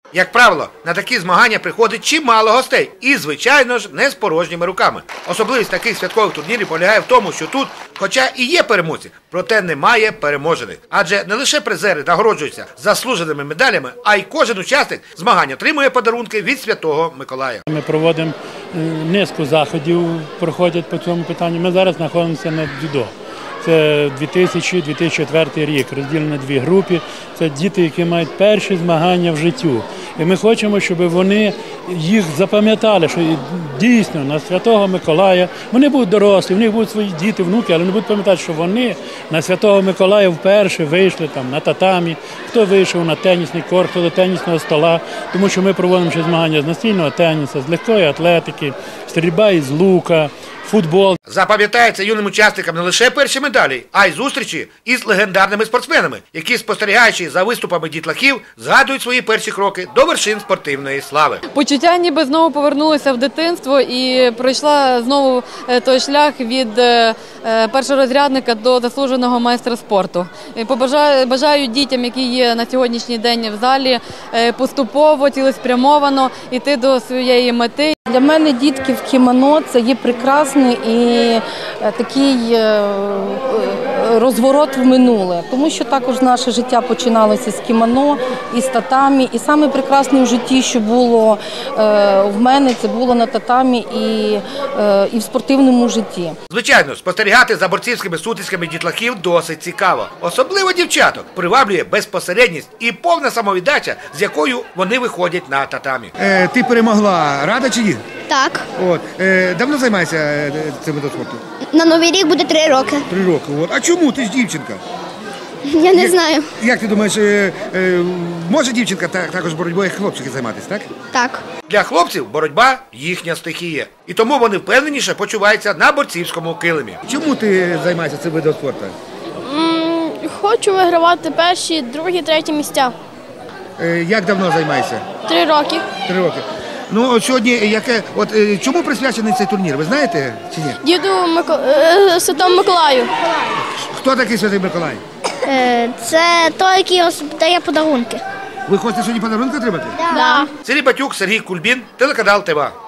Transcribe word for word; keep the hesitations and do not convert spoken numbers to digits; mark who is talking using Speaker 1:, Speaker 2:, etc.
Speaker 1: Як правило, на такі змагання приходить чимало гостей і, звичайно ж, не з порожніми руками. Особливість таких святкових турнірів полягає в тому, що тут, хоча і є переможці, проте немає переможених. Адже не лише призери нагороджуються заслуженими медалями, а й кожен учасник змагань отримує подарунки від Святого Миколая.
Speaker 2: Ми проводимо низку заходів, проходять по цьому питанню. Ми зараз знаходимося на дзюдо. Це дві тисячі - дві тисячі четвертий рік, розділено на дві групи. Це діти, які мають перші змагання в життю. І ми хочемо, щоб вони їх запам'ятали, що дійсно на Святого Миколая, вони будуть дорослі, в них будуть свої діти, внуки, але вони будуть пам'ятати, що вони на Святого Миколая вперше вийшли там на татамі, хто вийшов на тенісний корт, хто до тенісного стола, тому що ми проводимо ще змагання з настільного тенісу, з легкої атлетики, стрільба із лука, футбол.
Speaker 1: Запам'ятається юним учасникам не лише перші медалі, а й зустрічі із легендарними спортсменами, які, спостерігаючи за виступами дітлахів, згадують свої перші кроки до вершин спортивної слави.
Speaker 3: Почуття ніби знову повернулися в дитинство і пройшла знову той шлях від першорозрядника до заслуженого майстра спорту. Побажаю, бажаю дітям, які є на сьогоднішній день в залі, поступово, цілеспрямовано йти до своєї мети.
Speaker 4: Для мене дітки в кімоно – це є прекрасний і такий розворот в минуле, тому що також наше життя починалося з кімоно, і з татамі, і саме прекрасне в житті, що було в мене, це було на татамі і, і в спортивному житті.
Speaker 1: Звичайно, спостерігати за борцівськими сутисками дітлахів досить цікаво. Особливо дівчаток приваблює безпосередність і повна самовіддача, з якою вони виходять на татамі.
Speaker 5: Е, ти перемогла, рада чи ні?
Speaker 6: Так.
Speaker 5: От. Е, давно займаєшся е, цим видом спорту?
Speaker 6: На Новий рік буде три роки.
Speaker 5: Три роки. От. А чому? Ти ж дівчинка.
Speaker 6: Я не знаю.
Speaker 5: Як ти думаєш, е, е, може дівчинка так, також боротьбою, як хлопчики, займатися, так?
Speaker 6: Так.
Speaker 1: Для хлопців боротьба – їхня стихія. І тому вони впевненіше почуваються на борцівському килимі.
Speaker 5: Чому ти займаєшся цим видом спорту?
Speaker 7: М, Хочу вигравати перші, другі, треті місця.
Speaker 5: Е, як давно займаєшся?
Speaker 7: Три роки.
Speaker 5: Три роки. Ну, от сьогодні, яке, от, е, чому присвячений цей турнір, ви знаєте чи ні?
Speaker 7: Діду Мико... е, Святому Миколаю.
Speaker 5: Хто такий Святий Миколай?
Speaker 6: Це той, який дає подарунки.
Speaker 5: Ви хочете сьогодні подарунки отримати?
Speaker 7: Да.
Speaker 1: Сергій Батюк, Сергій Кульбін, телеканал ТЕВА.